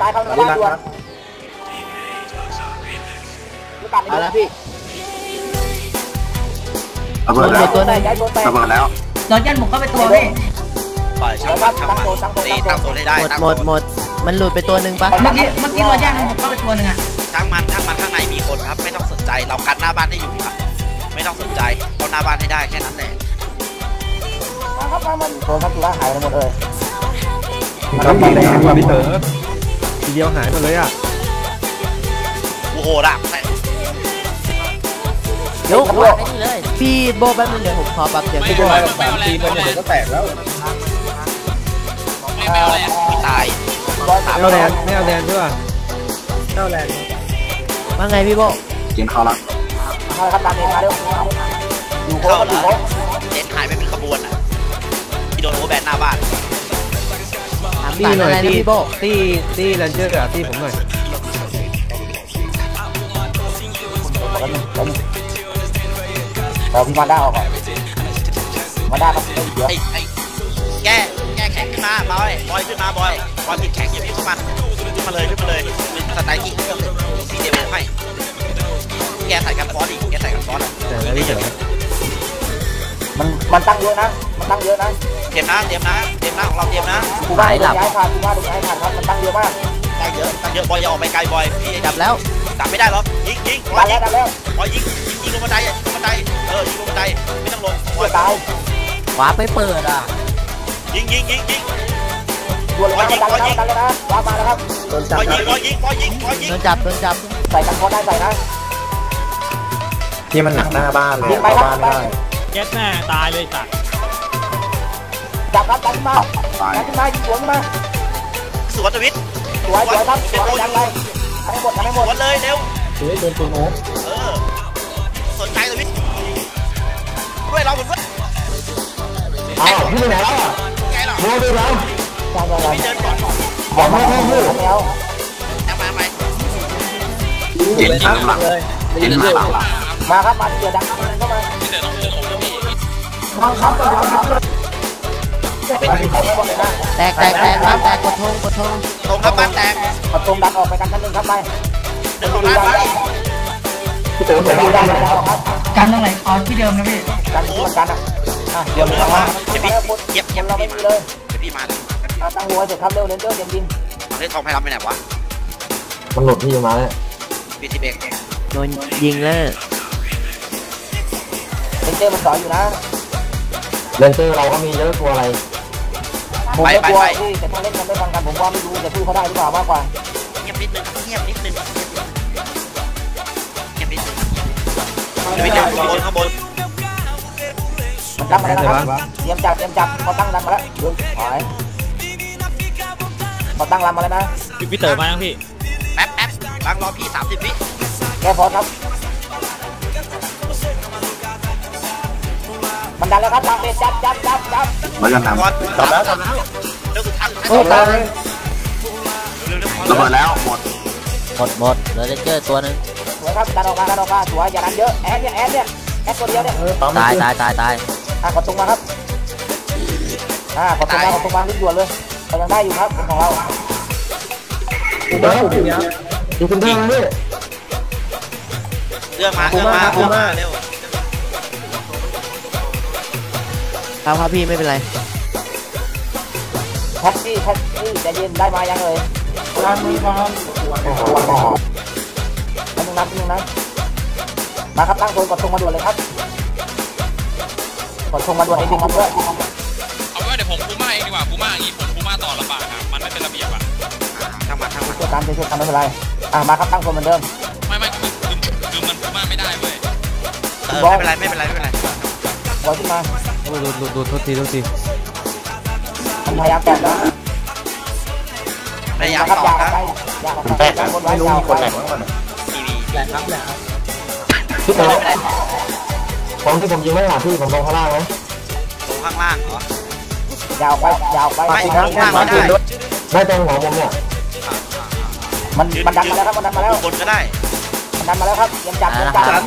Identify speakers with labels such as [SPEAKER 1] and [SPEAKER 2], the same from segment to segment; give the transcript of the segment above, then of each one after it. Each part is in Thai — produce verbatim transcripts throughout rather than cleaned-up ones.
[SPEAKER 1] ายเข้าบ้านด่วน
[SPEAKER 2] เอาละพี่
[SPEAKER 3] ระเบิดแล้วระเบิดแล้ว
[SPEAKER 4] โดนยันหมุกเข้าไปตัวพี่
[SPEAKER 5] ปล่อยช่างมันช่างมันตีตั้งตัวได้ได้
[SPEAKER 2] หมดหมดมันหลุดไปตัวหนึ่งปะ
[SPEAKER 4] เมื่อกี้เมื่อกี้โดนยันหมุกเข้าไปตัวหนึ่งอะ
[SPEAKER 5] ช่างมันช่างมันข้างในมีคนครับไม่ต้องสนใจเรากันหน้าบ้านให้อยู่ครับไม่ต้องสนใจเอาหน้าบ้านให้ได้แค่นั้นแหละ
[SPEAKER 1] ครับมันโดนทักตัวหายไปหมดเลย
[SPEAKER 6] ครับดีเลยครับพี่เต๋อทีเดียวหายหมดเลยอ่ะ
[SPEAKER 5] โอ้โหละ
[SPEAKER 2] ยกหัวให้นี่เลยพี่โบแป๊บนึงเดี๋ยวผมขอปรับเสียงพี่โบ
[SPEAKER 6] สามทีมันเดี๋ยวก็แตกแล้ว
[SPEAKER 5] ไม่เอาแรงไม่ตาย
[SPEAKER 6] ไม่เอาแรงไม่เอาแรงใช่ป่ะไม่เอาแรง
[SPEAKER 2] ว่าไงพี่โบ
[SPEAKER 3] เกมเข้าละ
[SPEAKER 1] เข้าครับตามเองมาเร็วอยู่
[SPEAKER 5] เข้าแล้วเจนหายไปเป็นขบวนอ่ะที่โดนโอแบนหน้าบ้าน
[SPEAKER 2] ตีหน่อยตีพี่โบ
[SPEAKER 6] ตีตีแรนเจอร์อะตีผมหน่อย
[SPEAKER 1] เราพี่มาด้าออกก่อนมาด้าต้องเยอะ
[SPEAKER 5] แก้แก้แข็งขึ้นมาบอยบอยขึ้นมาบอยบอยผิดแข็งอย่าพี่เข้ามันขึ้นมาเลยขึ้นมาเลยสไตล์กิ๊กเครื่องซีเดเวลให้แกใส่กันฟอสดิแกใส่กันฟอส
[SPEAKER 6] แต่แล้วพี่เต๋อ
[SPEAKER 1] มันมันตั้งเยอะนะมันตั้งเยอะนะ
[SPEAKER 5] เตรียมนะเตรียมนะเตรียมนะของเราเตรียมนะ
[SPEAKER 1] กูว่าย้ายผ่านกูว่าดูย้ายผ่านครับมันตั้งเยอะมาก
[SPEAKER 5] ตั้งเยอะตั้งเยอะบอยอย่าออกไปไกลบอยพี่
[SPEAKER 2] ดับแล้ว
[SPEAKER 5] ดับไม่ได้หรอกยิงยิง
[SPEAKER 1] บอยยิง
[SPEAKER 5] บอยยิงยิงลงบันไดลงบันไดเออยิงลงบันไดไม่ต้องลง
[SPEAKER 1] บอยตาย
[SPEAKER 2] ขวาไปเปิดอ่ะ
[SPEAKER 5] ยิงยิงยิงยิง
[SPEAKER 1] บอยยิงบอยยิงกันเลยนะวางมาแล้วครับ
[SPEAKER 5] บอยยิงบอยยิงบอยยิงบอยยิง
[SPEAKER 2] โดนจับโดนจับ
[SPEAKER 1] ใส่กันพอได้ใส่นะ
[SPEAKER 6] ที่มันหนักหน้าบ้านเลยบ้านได้
[SPEAKER 7] เจ็ดแน่ตายเลยสัตว์
[SPEAKER 1] จับครับจับขึ้นมาจับขึ้นมายิงสวนมา
[SPEAKER 5] สวนทวิต
[SPEAKER 1] สวยสวยครับสวยยังไงทำให้หมดทำให้หมด
[SPEAKER 5] เลยเร็ว
[SPEAKER 6] สวยโดนตัวโน้
[SPEAKER 5] เออสนใจทวิตด้วยเราเหมือนว่า
[SPEAKER 6] อ้าวพี่ไปไหนแล้วอ่ะ
[SPEAKER 5] ไงหรอ
[SPEAKER 6] โม่ด้วยแล้ว
[SPEAKER 1] จังเลย
[SPEAKER 5] ไม่เดินก่อน
[SPEAKER 1] บอกให้ให้ให้แล้ว
[SPEAKER 5] ยังมาไหม
[SPEAKER 3] เย็นยิงหลังเย็นมาหลัง
[SPEAKER 1] มาครับมาเดี๋ยวดังเข้ามาเข้ามาครับ
[SPEAKER 2] แตกแตกแตกครับแตกกดทงกดทง
[SPEAKER 5] ตรงครับบ้านแตก
[SPEAKER 1] กดทงดันออกไปกันชั้นหนึ่งครับไป
[SPEAKER 5] เดินตรงนั้นไป
[SPEAKER 6] พี่เต๋อผม
[SPEAKER 1] ดันออกครับ
[SPEAKER 4] กันตรงไหนอ๋อที่เดิมนะพี่
[SPEAKER 1] กันที่มันกันอ่ะ
[SPEAKER 5] เดี๋ยวเราเดี๋ยวพี่เย็บเย็บ
[SPEAKER 1] เราไม่มีเลย
[SPEAKER 5] เดี๋ยวพี่มา
[SPEAKER 1] ตั้งหัวเสร็จครับเร็วเร็วเร็วยิงยิง
[SPEAKER 5] เฮ้ยทองไพรับไปไหนวะ
[SPEAKER 6] มันหลุดพี่มาแล้ว
[SPEAKER 5] พี่ทีเบก
[SPEAKER 2] โดนยิงแล้ว
[SPEAKER 1] เลนเจอร์มันสอนอยู่นะ
[SPEAKER 6] เลนเจอร์เราก็มีเยอะตัวอะไร
[SPEAKER 1] ผมไม่กลัวพี่แต่ถ้าเล่นกันไม่ฟังกันผมว่าไม่รู้จะสู้เขาได้หรือเปล่ามากกว่า
[SPEAKER 5] เงียบนิดนึงเงียบนิดนึงเงียบนิดนึงเดี๋ยวไปเจอข้างบนข้างบน
[SPEAKER 1] มันตั้งมาแล้วนะครับเตรียมจับเตรียมจับเขาตั้งรันมาแล้วดูถอยเขาตั้งรันมาแล้วนะ
[SPEAKER 7] พี่เต๋อมาแล้วพี่
[SPEAKER 5] แป๊บแป๊บล้างรอพี่สามสิบวิ
[SPEAKER 1] แกพอครับมันดันแล้วครับทางเป็นจับจับจับจับ
[SPEAKER 3] มากันน
[SPEAKER 5] ำจับแล้วจับแล้วเร็วสุดท้าย
[SPEAKER 2] โอ้ตาย
[SPEAKER 3] ระเบิดแล้วหมด
[SPEAKER 2] หมดหมดเหลือเลนเจอร์ตัวนึง
[SPEAKER 1] สวยครับดันออกมาดันออกมาสวยอย่าดันเยอะแอดเนี่ยแอดเนี่ยแอดตัวเดียวเนี่ย
[SPEAKER 2] ตายตายตายตาย
[SPEAKER 1] อ่ะกดตรงมาครับอ่ากดตรงมากดตรงมาขึ้นด่วนเลยเรายังได้อยู่ครับของเรา
[SPEAKER 6] ดูบ้าดูเนี้ยดูคุณท่าด้วย
[SPEAKER 5] เรื่องมาเรื่องมาเรื่องมาเร็ว
[SPEAKER 2] ครับครับพี่ไม่เป็นไร
[SPEAKER 1] แท็กซี่แท็กซี่ใจเย็นได้มายังเลยร้านนี้ครับอันนึงนับนึงนะมาครับตั้งโซนกดตรงมาด่วนเลยครับกดตรงมาด่วนเองครับเพื่อน
[SPEAKER 8] เอาไว้เดี๋ยวผมพูม่าเองดีกว่าพูม่าอย่างนี้ผมพูม่าต่อลำบากครับมันไม่เป็นระเบียบอ่ะ
[SPEAKER 5] ทำมาทำมา
[SPEAKER 1] ช่วยกันช่วยกันไม่เป็นไรอ่ะมาครับตั้งโซนเหมือนเดิม
[SPEAKER 8] ไม่ไม่คือคือคือมันพูม่าไม่ได้เว้ย
[SPEAKER 5] เออไม่เป็นไรไม่เป็นไรไม่เป็นไร
[SPEAKER 1] บอลขึ้นมา
[SPEAKER 6] ดูดูดูโทษทีโทษที
[SPEAKER 1] พยายามแตะนะ
[SPEAKER 5] พยายามต่อนะ
[SPEAKER 1] แตะไม่รู้มีคนไหนบ้าง
[SPEAKER 5] ทีวีแหละครับแหละครับ
[SPEAKER 6] พี่เต๋อผมที่ผมยิงไม่หาพี่ผมลงข้างล่างไหม
[SPEAKER 5] ลงข้างล่างเหร
[SPEAKER 1] อยาวไปยาวไป
[SPEAKER 5] ไม่ลงข้างล่างได้
[SPEAKER 6] ได้ตรงหัวผมเนี่ย
[SPEAKER 1] มันมันดันมาแล้วครับมันดันมาแล้ว
[SPEAKER 5] บนก็ได้
[SPEAKER 1] มันดันมาแล้วครับยังจับยังจับ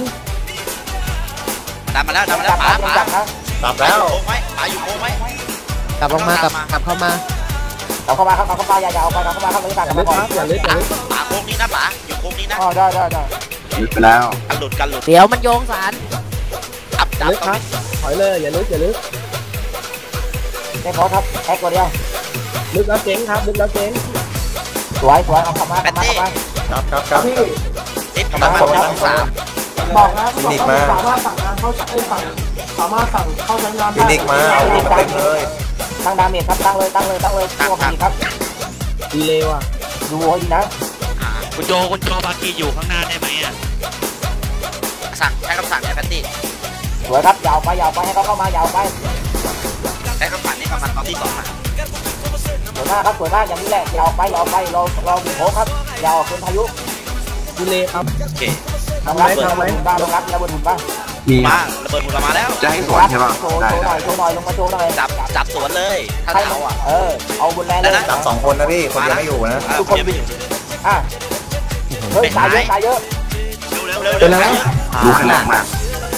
[SPEAKER 5] ดันมาแล้วดันมาแล้วป๋าป๋า
[SPEAKER 6] จับแล้ว
[SPEAKER 5] โค้งไหมป๋าอยู่โค้งไหม
[SPEAKER 2] กลับลงมากลับกลับเข้ามา
[SPEAKER 1] เอาเข้ามาครับเอาเข้ามาอย่าอย่าเอาไปเอาเข้ามาครับเลยต่างกันมาก่อน
[SPEAKER 6] อย่าลึกอย่าลึก
[SPEAKER 5] ป๋าโค้งนี้นะป๋าอยู่โค้งนี้นะ
[SPEAKER 1] อ๋อได้ได้ได้
[SPEAKER 3] ลึกไปแล้ว
[SPEAKER 5] กันหลุดกันหลุด
[SPEAKER 2] เดี๋ยวมันโยงสาร
[SPEAKER 5] อับดับ
[SPEAKER 6] ลึกครับถอยเลยอย่าลึกอย่าลึก
[SPEAKER 1] เจ๊พอครับแอคตัวเดียว
[SPEAKER 6] ลึกแล้วเจ๊งครับลึกแล้วเจ๊ง
[SPEAKER 1] สวยสวยเอาเข้ามาเข้ามาเข้ามา
[SPEAKER 6] ครับครับครับ
[SPEAKER 5] ติดกำลังมาสาม
[SPEAKER 1] บอกนะ
[SPEAKER 6] ฟินิกมา
[SPEAKER 1] สามารถสั่งงานเข้าใช้สั่งสามารถสั่งเข้าใช้งาน
[SPEAKER 6] ฟินิกมาเอาเต็มเลย
[SPEAKER 1] ตั้งดาเมจครับตั้งเลยตั้งเลยตั้งเลยตัวพีครับ
[SPEAKER 6] ดีเลยว่ะ
[SPEAKER 1] ดูให้ดีนะ
[SPEAKER 7] คุณโจคุณโจบากีอยู่ข้างหน้าได้ไหมอ่ะ
[SPEAKER 5] สั่งใช้คำสั่งใช้แพตตี้
[SPEAKER 1] สวยครับยาวไปยาวไปให้เขาเข้ามายาวไป
[SPEAKER 5] ใช้คำสั่งนี่ประมาณตอนที่สองอ่ะ
[SPEAKER 1] สวยมากครับสวยมากอย่างนี้แหละยาวไปยาวไปรอรอบีโผครับยาวเป็นพายุ
[SPEAKER 6] ดีเลยครับ
[SPEAKER 5] โอเค
[SPEAKER 1] ทำไรทำไรบ้างลงรับระเบิดหุ่นบ้าง
[SPEAKER 3] มี
[SPEAKER 5] มาระเบิดหมุนมาแล้ว
[SPEAKER 3] จะให้สวนใช่ป่ะ
[SPEAKER 1] โชว์
[SPEAKER 3] ได้
[SPEAKER 1] โชว์ห
[SPEAKER 3] ได้
[SPEAKER 1] น่อยโชว์หน่อยลงมาโชว์หน่อย
[SPEAKER 5] จับจับสวนเลยถ้า
[SPEAKER 1] ใคร
[SPEAKER 5] เขาอ่ะ
[SPEAKER 1] เออเอาบนแรงเลย
[SPEAKER 6] จับสองคนนะพี่คนเดียวไม่อยู่นะ
[SPEAKER 5] ทุกคนไปอยู่
[SPEAKER 1] อ่ะเฮ้ยตายเยอะตายเยอะ
[SPEAKER 5] เร็วเร็วเร็วเร็ว
[SPEAKER 3] ดูขนาดมาก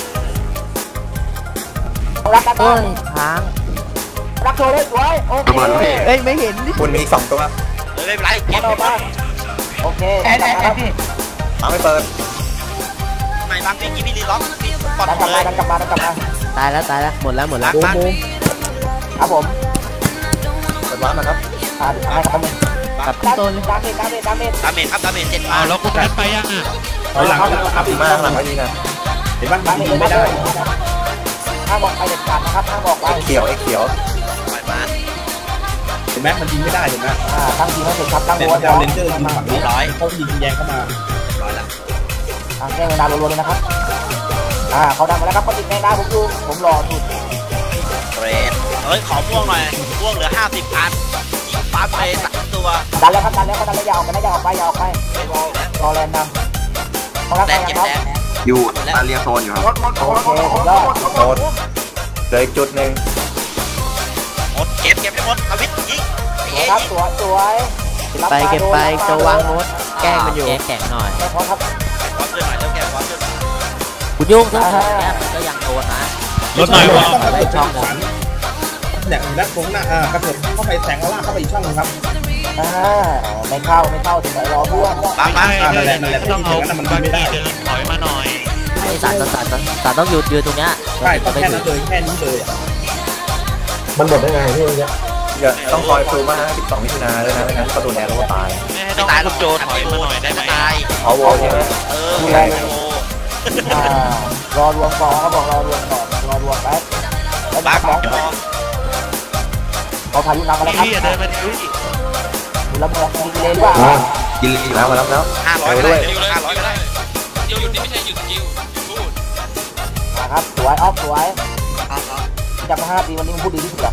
[SPEAKER 1] รักกัน
[SPEAKER 2] เอ้
[SPEAKER 1] มาก
[SPEAKER 2] ยค้าง
[SPEAKER 1] รักโชว์เลยสวยโอเค
[SPEAKER 3] ระเบิดเลย
[SPEAKER 2] เอ้ยไม่เห็นดิ
[SPEAKER 6] คุณมีอีกสองตัว
[SPEAKER 5] ไม่เป็นไรเก็บ
[SPEAKER 1] เอามาโอเค
[SPEAKER 4] แอดแอดแอดพี่
[SPEAKER 6] เอาไม่เปิด
[SPEAKER 5] ไม่บางทีกินพี่ลีล็อกปอด
[SPEAKER 1] ดันกลับ
[SPEAKER 5] เล
[SPEAKER 1] มาย ดันกลับมาดันกลับมา
[SPEAKER 2] ตายแล้วตายแล้วหมดแล้วหมดแล้ว
[SPEAKER 6] บูมบูม
[SPEAKER 1] ครับผม
[SPEAKER 6] เปิดวาร์ปนะครับ
[SPEAKER 1] อ่าให้ครับผม
[SPEAKER 2] กับ
[SPEAKER 1] ดา
[SPEAKER 2] ต้น
[SPEAKER 1] เมจดาเมจดาเมจดาเมจ
[SPEAKER 5] ดาเมจครับดาเมจเจ็ดมา
[SPEAKER 7] เอาแล้วคุณแพทไปยังอ่ะ
[SPEAKER 6] ถอยหลังครับดีมากหลังไว้ดีนะเห็นบ้าน
[SPEAKER 1] ดาเมจเลยนะห้ามบอกไปเด็ดขาดนะครับห้ามบอกไป
[SPEAKER 6] ไอ้เขียวไอ้เขียว
[SPEAKER 5] ปล่อยมา
[SPEAKER 6] เห็นไหมมันยิงไม่ได้เห็นไหม
[SPEAKER 1] อ่าตั้งทีให้เสร็จครับตั้ง
[SPEAKER 6] เนี่ย
[SPEAKER 1] หัว
[SPEAKER 6] มันจะเอาเลนเจอร์ยิงฝั่งนี้
[SPEAKER 5] ร้อย
[SPEAKER 6] เขายิงแยงเข้ามา
[SPEAKER 5] ร้อยละ
[SPEAKER 1] อ่าแก้เวลารัวๆเลยนะครับอ่าเขาดังมาแล้วครับเขาติดแม่ได้ผมดูผมรอสุด
[SPEAKER 5] เกรดเฮ้ยขอม่วงหน่อยม่วงเหลือห้าสิบพันยิงปั๊บไปสามตัว
[SPEAKER 1] ดันแล้วครับดันแล้วเขาดันแล้วยาวไปนะยาวไปยาวไปรอแลนด์นำเขารัก
[SPEAKER 5] แด
[SPEAKER 1] กัน
[SPEAKER 5] งเก็บ
[SPEAKER 1] ครับ
[SPEAKER 5] แดง
[SPEAKER 3] อยู่อาเรียโซนอยู่ครับ
[SPEAKER 1] โอเคสุดยอด
[SPEAKER 6] โดนเหลืออีกจุดหนึ่ง
[SPEAKER 5] หมดเก็บเก็บให้หมดทวิตยิง
[SPEAKER 1] สวยครับสวยสวย
[SPEAKER 2] ไปเก็บไปโจวางโน้ตแกล้งมันอยู่แข็งหน่อย
[SPEAKER 1] ไม่พอครับ
[SPEAKER 5] พร้อมด้วยหน่อยเริ่มแก้พร้อมด้วย
[SPEAKER 2] คุณยุ่งทั้งสองแกมันก็ยังโดนนะ
[SPEAKER 7] รถหน่อยว่า
[SPEAKER 2] ได้ช่องหนึ่ง
[SPEAKER 6] เนี่ยด้านตรงหน้าอ่ากระสุนเข้าไปแสงล่างเข้าไปอีกช่องนึงครับ
[SPEAKER 1] อ่าไม่เข้าไม่เข้าถึงไหนรอเพื่อน
[SPEAKER 5] บางบาง
[SPEAKER 6] นั่นแหละนั่นแหละ
[SPEAKER 7] ต้องเอา
[SPEAKER 6] มัน
[SPEAKER 7] บา
[SPEAKER 6] ไม่ได้
[SPEAKER 7] กีเดินถอยมาหน่อย
[SPEAKER 2] ไอ้สารสารสารสารต้องหยุดยืนตรงเนี้ย
[SPEAKER 6] ใช่ต้องแค่นั้นเลยแค่นี้เลยมันหมดได้ไงพี่เนี่ยต้องคอยซูมมาสิบสองมิถุนาด้วยนะไม่งั้นประตูแนวเราก็ตาย
[SPEAKER 7] ไม่ให้ต้องให้คุณโจถอยมาหน่อยได้ไหม
[SPEAKER 5] ตาย
[SPEAKER 6] เอาวอลใช่ไหม
[SPEAKER 5] เออโอ้
[SPEAKER 1] อ่ารอรวมก่อนเขาบอกรอรวมก่อนรอรวมแป๊บแล้ว
[SPEAKER 5] บาง
[SPEAKER 1] สอง
[SPEAKER 5] พอ
[SPEAKER 1] เขาพายุนำมาแล้วครับ
[SPEAKER 7] พี่เดินมาดิ
[SPEAKER 1] ดูแล้วมันยิงเลยหรือเปล่า
[SPEAKER 3] กินลี
[SPEAKER 6] แล้วมาแล้วแล้ว
[SPEAKER 5] ห้าร้อยก็ได้ห้าร้อยก็ได้
[SPEAKER 8] หยุดนี่ไม่ใช่หยุดสกิลพูด
[SPEAKER 1] ครับสวยออฟสวยจำมาห้าปีวันนี้มันพูดดีที่สุดอะ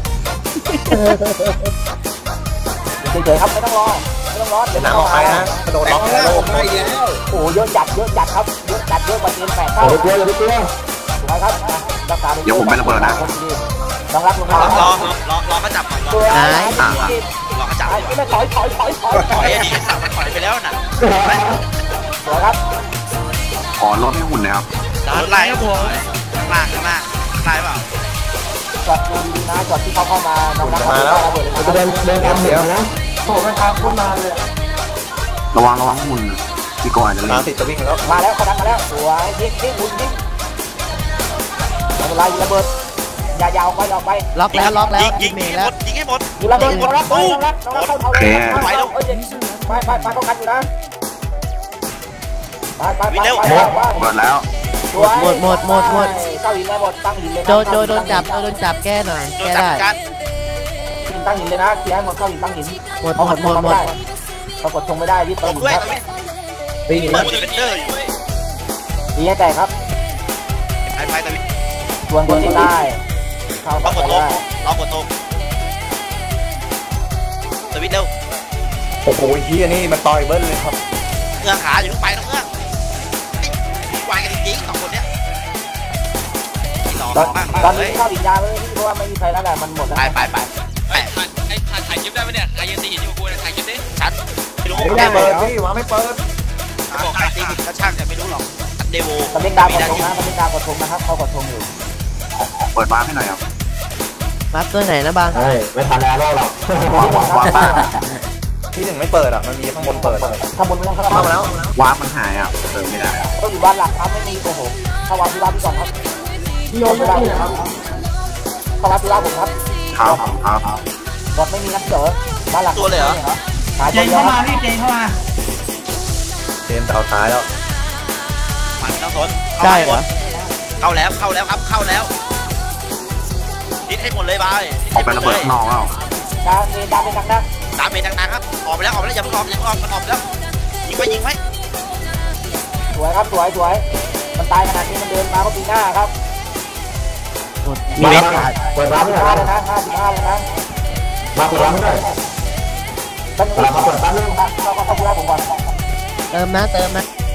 [SPEAKER 1] เฉยๆครับไม่ต้องรอไม่ต้องรอ
[SPEAKER 6] เดี๋ยวน้ำออกไปนะกระโดดล็อกแล้วออกไปแล้ว
[SPEAKER 1] โอ้เยอะจัดเยอะจัดครับเยอะจัดเยอะกว่าเกมแปดเท่า
[SPEAKER 6] โอ้ยกลัวอย่าไปกลัว
[SPEAKER 1] สวยครับรักษา
[SPEAKER 3] เดี๋ยวผมไประเบิดนะ
[SPEAKER 1] ต้องรับลง
[SPEAKER 5] ร
[SPEAKER 1] มา
[SPEAKER 5] อรอรอรอเขาจับก่อนรอ
[SPEAKER 1] สวย
[SPEAKER 5] รอเขาจับ
[SPEAKER 1] ไม่ถอยถอยถอยถอย
[SPEAKER 5] ถอยอันนี้สั่งมันถอยไปแล้วน่ะ
[SPEAKER 1] สวยครับ
[SPEAKER 3] ขอลดให้หุ่นนะครับ
[SPEAKER 5] รถไล่ครับผมข้างล่างข้างล่างไล่เปล่า
[SPEAKER 1] จอดดูดีนะจอดที่เขาเข้ามาน้องนัก
[SPEAKER 6] มาแล้วจะเดินเดินเสียวนะ
[SPEAKER 1] โอ้ไม่ทางคนมาเลย
[SPEAKER 3] ระวังระวังหุ่นพี่โกอาจจะ
[SPEAKER 6] มา
[SPEAKER 3] เล่น
[SPEAKER 6] ติดจะวิ่งแล้ว
[SPEAKER 1] มาแล้วเขาดังมาแล้วสวยยิงยิงยิงยิงไม่เป็นไรยิงระเบิดอย่ายาวไปยาวไป
[SPEAKER 2] ล็อกแล้วล็อกแล้ว
[SPEAKER 5] ยิงยิ
[SPEAKER 2] ยิ
[SPEAKER 5] ง
[SPEAKER 2] งเม
[SPEAKER 5] ยิง
[SPEAKER 2] ง
[SPEAKER 5] หม
[SPEAKER 2] แล้ว
[SPEAKER 5] ดยิงให้หมด
[SPEAKER 1] ยิงระเบิดน้องรักน้องรักน้องรักเข้าเขาเลยไปแล้วไปไปไปป้องกันอยู่นะไปไปไปไป
[SPEAKER 3] เปิดแล้ว
[SPEAKER 2] หมดหมดหมดหมด
[SPEAKER 1] เข้าหินเลยหมดตั้งหินเลย
[SPEAKER 2] โจโจโดนจับโจโดนจับแก้หน่อย
[SPEAKER 5] โดน
[SPEAKER 2] แก้
[SPEAKER 5] จับ
[SPEAKER 2] ได้
[SPEAKER 5] กัน
[SPEAKER 1] ตั้งหินเลยนะเคลียร์หมดเข้าหินตั้งหิน
[SPEAKER 2] หมดหมดหมดหมด
[SPEAKER 1] เขากดชงไม่ได้ที่
[SPEAKER 5] ต
[SPEAKER 1] ตั้ง
[SPEAKER 5] ก
[SPEAKER 1] หิน
[SPEAKER 5] ด้วย
[SPEAKER 1] ครับ
[SPEAKER 6] ตีนี่
[SPEAKER 5] เปิ
[SPEAKER 6] นะ
[SPEAKER 5] ดเป็นเดอร์อยู่
[SPEAKER 1] ดีให้แต่ครับ
[SPEAKER 5] ไปไปตะวิ
[SPEAKER 1] ชวนคนที่ได้เข้า
[SPEAKER 5] ล็
[SPEAKER 1] ต่
[SPEAKER 5] อ
[SPEAKER 1] อก
[SPEAKER 5] ก
[SPEAKER 1] ไป
[SPEAKER 5] ดโต๊ะ
[SPEAKER 1] ได้
[SPEAKER 5] ล็อกกดโต๊ะตะวิเร็ว
[SPEAKER 6] โอ้โหที่อันนี้มันต่อยเบิ้ลเลยครับ
[SPEAKER 5] เอื้อขาอยู่ทุกไปนะเอื้อวายกันจริงๆสองคนเนี้ยหล่อ
[SPEAKER 1] ตอน
[SPEAKER 5] มาก
[SPEAKER 1] ตอน
[SPEAKER 5] เล
[SPEAKER 1] นี้
[SPEAKER 5] ย
[SPEAKER 1] เข้าหินยาเลยเพราะว่าไม่มีใครแล้วแหละมันหมดแล้ว
[SPEAKER 5] ไปไปไป
[SPEAKER 8] ไอ้ไอ้ถ่ายคลิปได้ไหมเนี่ยใครยังตีหินอยู่กูเนี่ยถ่ายคลิปดิ
[SPEAKER 5] ชัดไม่รู้
[SPEAKER 6] ไม่ได้เปิดพี่วางไม่เปิด
[SPEAKER 5] บอกใครตีผิดก็ช่างแต่ไม่รู้หรอกเดโว
[SPEAKER 1] สเปกดาวกดชงนะสเปกดาวกดชงนะครับเขากดชงอยู่
[SPEAKER 3] เปิดบ้านให้หน่อยครับ
[SPEAKER 2] บัฟตัวไหนนะบาง
[SPEAKER 6] เฮ้ยไม่ทันแล้วหรอก
[SPEAKER 1] วาร์ป
[SPEAKER 6] ที่หนึ่งไม่เปิดอ่ะมันมีข้างบนเปิด
[SPEAKER 1] ข้างบนไม่ต้องเข้า
[SPEAKER 6] เข้ามาแล้ว
[SPEAKER 3] วาร์ปมันหายอ่ะเติมไม่ได้
[SPEAKER 1] ต้องอยู่บ้านหลักครับไม่มีโอ้โหเข้าวาร์ปที่บ้านพี่ก่อนครับพี่โยนที่บ้านครับเข้าวาร์ปที่บ้านผมครับ
[SPEAKER 3] ครับครับ
[SPEAKER 1] บอดไม่มีนักเสือบ้านหลักหาย
[SPEAKER 4] เจ
[SPEAKER 1] ตัวน เดียว
[SPEAKER 4] เข้า
[SPEAKER 1] ค
[SPEAKER 4] มา
[SPEAKER 1] รับ
[SPEAKER 4] พี่เจนเข้ามา
[SPEAKER 6] เกมจะเอาท้ายแล้ว
[SPEAKER 5] มันต้องสน
[SPEAKER 2] ได้เหรอ
[SPEAKER 5] เข้าแล้วเข้าแล้วครับเข้าแล้วดิดให้หมดเลยบาย
[SPEAKER 3] ออกไประเบิดนอกแล้ว
[SPEAKER 1] ดาเมดาเมดังนัก
[SPEAKER 5] ดาเมจดังๆครับออกไปแล้วออกไปแล้วอย่าเพิ่งออกอย่าเพิ่งออกมันออกไปแล้วยิงไว้ยิงไว้
[SPEAKER 1] สวยครับสวยสวยมันตายขนาดนี้มันเดินมาก็ปีหน้าครับ
[SPEAKER 2] มีเม็ด
[SPEAKER 6] เปิดร้าน
[SPEAKER 1] ห้า
[SPEAKER 6] ไม่
[SPEAKER 1] สิบ
[SPEAKER 6] ได้
[SPEAKER 1] ห้าแล้วนะห้าสิบห้าแล้วนะ
[SPEAKER 6] มาเปิดร้านไม่ได้
[SPEAKER 1] ท่านผู้ชมครับเราก็เข้าที่บ้านผมก่อน
[SPEAKER 2] เติมนะเติมนะ